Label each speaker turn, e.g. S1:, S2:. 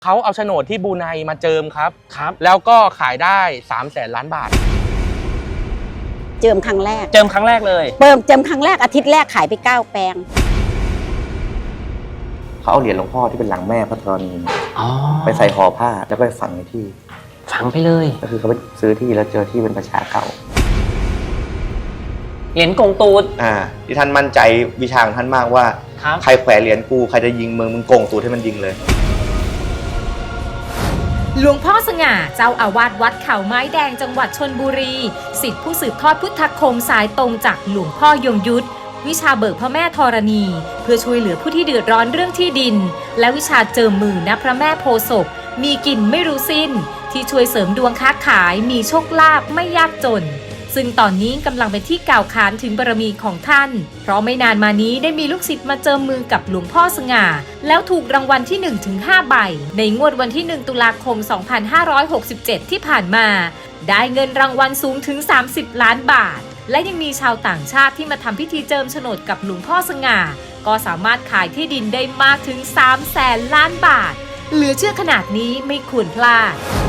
S1: เขาเอาโฉนดที่บรูไนมาเจิมครับแล้วก็ขายได้300,000 ล้านบาท
S2: เจิมครั้งแรก
S1: เลย
S2: เจิมครั้งแรกอาทิตย์แรกขายไป9 แปลง
S3: เขาเอาเหรียญหลวงพ่อที่เป็นหลังแม่พระธรณีไปใส่ห่อผ้าแล้วก็ไปฝังในที่
S4: ฝังไปเลย
S3: ก็คือเขาไปซื้อที่แล้วเจอที่เป็นประชาเก่า
S4: เหรียญกงตูด
S3: ที่ท่านมั่นใจวิชาของท่านมากว่าใครแขวนเหรียญกูใครจะยิงมึงโกงตูดให้มันยิงเลย
S5: หลวงพ่อสง่าเจ้าอาวาสวัดเขาไม้แดงจังหวัดชลบุรีศิษย์ผู้สืบทอดพุทธคมสายตรงจากหลวงพ่อยงยุทธวิชาเบิกพระแม่ธรณีเพื่อช่วยเหลือผู้ที่เดือดร้อนเรื่องที่ดินและวิชาเจิมมือณพระแม่โพธิ์ศพมีกินไม่รู้สิ้นที่ช่วยเสริมดวงค้าขายมีโชคลาภไม่ยากจนซึ่งตอนนี้กำลังเป็นที่กล่าวขานถึงบารมีของท่านเพราะไม่นานมานี้ได้มีลูกศิษย์มาเจิมมือกับหลวงพ่อสง่าแล้วถูกรางวัลที่ 1-5 ใบในงวดวันที่ 1 ตุลาคม 2567 ที่ผ่านมาได้เงินรางวัลสูงถึง30 ล้านบาทและยังมีชาวต่างชาติที่มาทำพิธีเจิมโฉนดกับหลวงพ่อสง่าก็สามารถขายที่ดินได้มากถึง300,000 ล้านบาทเหลือเชื่อขนาดนี้ไม่ควรพลาด